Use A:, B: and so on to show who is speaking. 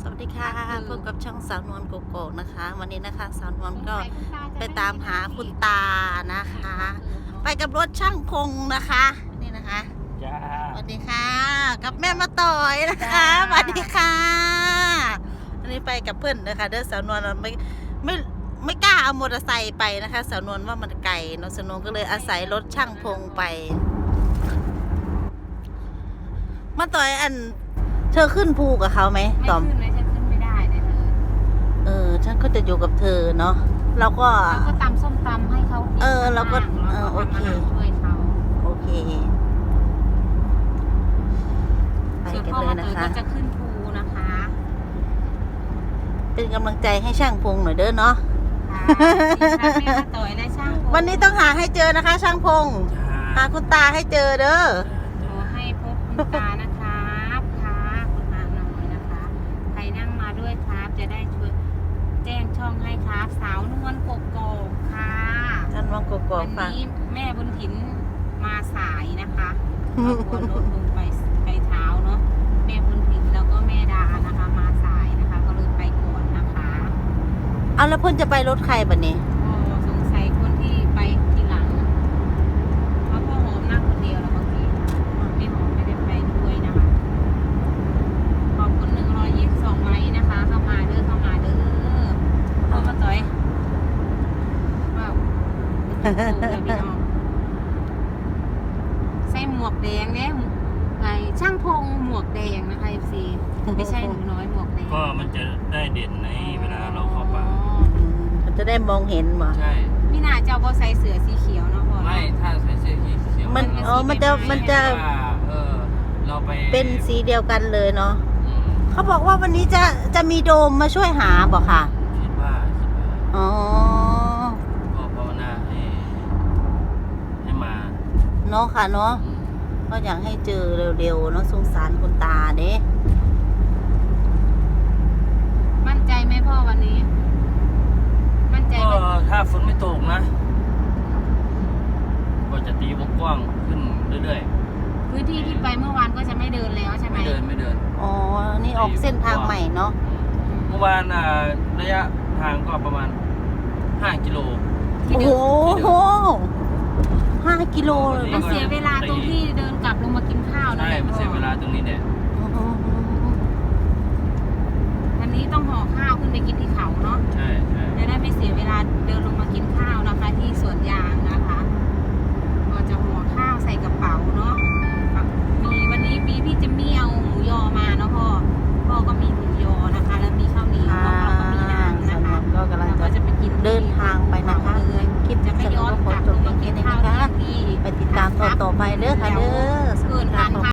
A: สวัสดีค่ะพบกับช่องสาวนวลโกโก้นะคะ วันนี้นะคะสาวนวลก็ไปตามหาคุณตานะคะ ไปกับรถช่างพงนะคะนี่นะคะ
B: จ้า
A: สวัสดีค่ะ กับแม่มาต่อยนะคะสวัสดีค่ะอันนี้ไปกับเพื่อนนะคะเด้อสาวนวลไม่กล้าเอามอเตอร์ไซค์ไปนะคะสาวนวลว่ามันไกลเนาะสาวนวลก็เลยอาศัยรถช่างพงไปมาต่อยเธอขึ้นภูกับเขาไหม
C: ไม่
A: ตอม
C: ขึ้นเลยฉันขึ้นไม่ได้เลยเธอ
A: ฉันก็จะอยู่กับเธอเนาะเราก็
C: เราก็ตำส้มตำให้เขากิน
A: เราก็
C: บ้าง
A: โอเค
C: ทำาหารช่วยเขา
A: โอเคไป
C: ส่วน
A: กัน
C: พ่อ
A: เลย
C: มา
A: นะ
C: เตย
A: คะ
C: ก็จะขึ้นภูนะคะ
A: เป็นกำลังใจให้ช่างพงหน่อยเด้อเนาะ
C: ค่ะดิฉันแม่มาเตยและช่างภู
A: วันนี้ต้องหาให้เจอนะคะ ช่างพงหาคุณตาให้เจอเด้อ
C: ขอให้พบคุณตานะครับค่ะคุณตาหน่อยนะคะใครนั่งมาด้วยครับจะได้ช่วยแจ้งช่องให้ครับสาวนวลกกอกค่ะ
A: ท่านวังกกอ
C: วั
A: ก
C: น
A: ฟัง
C: นี้แม่บุญถิ่นมาสายนะคะเอาวนรถลงไปเท้าเนาะแม่บุญถิ่นแล้วก็แม่ดานะคะ มาสายนะคะ ก็เลยไปก่อนนะคะ
A: เอาแล้วเพิ่นจะไปรถใครบัดนี้
C: ก็สงสัยคนที่ไปทีหลังเพราะพ่อหอมนั่งคนเดียวแล้วบางทีแม่หอมไม่ได้ไปด้วยนะคะ ขอบคุณ122ไลค์นะคะ เข้ามาเด้อเข้ามาเด้อเข้ามาต่อยว้าวโอ้ยพี่น้อง ใส่หมวกแดงเนี่ยไอช่างพงหมวกแดงนะคะ FC ไม่ใช่หนูน้อยหมวกแดง
B: ก็มันจะได้เด่นในเวลาเราเข้าป่า
A: มันจะได้มองเห็นบ่
B: ใช่
C: พี่นาเจ้าบอใส่เสื้อสีเขียวเนาะพ่อ
B: ไม่ถ้าใส่เสื้อเขียว
A: มันมันจะ
B: ว่าเราไป
A: เป็นสีเดียวกันเลยเนาะ
B: อืม
A: เขาบอกว่าวันนี้จะมีโดมมาช่วยหาบ่ค่ะ
B: คิดว่า
A: อ๋อ
B: ก็ภาวนาให้มา
A: เนาะค่ะเนาะ
B: อืม
A: ก็อยากให้เจอเร็วๆเนาะสงสารคุณตาเด้
C: มั่นใจไหมพ่อวันนี้ มั่นใจ
B: ก็
C: ไหม
B: ถ้าฝนไม่ตกนะ ก็จะตีวงกว้างขึ้นเรื่อย
C: พื้นที่ที่ไปเมื่อวานก็จะไม่เดินแล้วใช่
B: ๆ
C: ไหม
B: ไม่เดิน
A: อ๋อ นี่ออกเส้นทางใหม่เนาะ
B: เมื่อวานระยะทางก็ประมาณ5 กิโล
C: ที่
A: โอ้
C: เดิ
A: โห
C: น
A: 5 กิโลเลย
C: มันเสียเวลาตรงที่เดินกลับลงมากินข้าวนะ
B: ใช่มันเสียเวลาตรงนี้เนี่ย
C: วันนี้ต้องห่อข้าวขึ้นไปกินที่เขาเนาะ
B: ใช่
C: จะได้ไม่เสียเวลาเดินลงมากินข้าวนะคะ ที่สวนยางนะคะก็จะห่อข้าวใส่กระเป๋าเนาะมีวันนี้พี่จะมีเอาหมูยอมาเนาะพ่อก็มีหมูยอนะคะ แล้วมีข้าวเหนียว
A: ค่ะ
C: แล้วก็มีน้ำนะคะ
A: ก็กำลัง
C: เราก็
A: จะ
C: จะไปกิน
A: เดินทางไปนะคะ
C: เลย
A: คลิป
C: จะไม่ย้อน
A: ข
C: ก
A: อ
C: ลับ
A: จ
C: ล
A: บ
C: ง
A: เพี
C: มาย
A: ง
C: กิ
A: แค่
C: น
A: นี้
C: ข้าว
A: นะคะ
C: ที่
A: ไปติดตามตอนต่อไปเด้อค่ะเด้อ
C: เกินทาน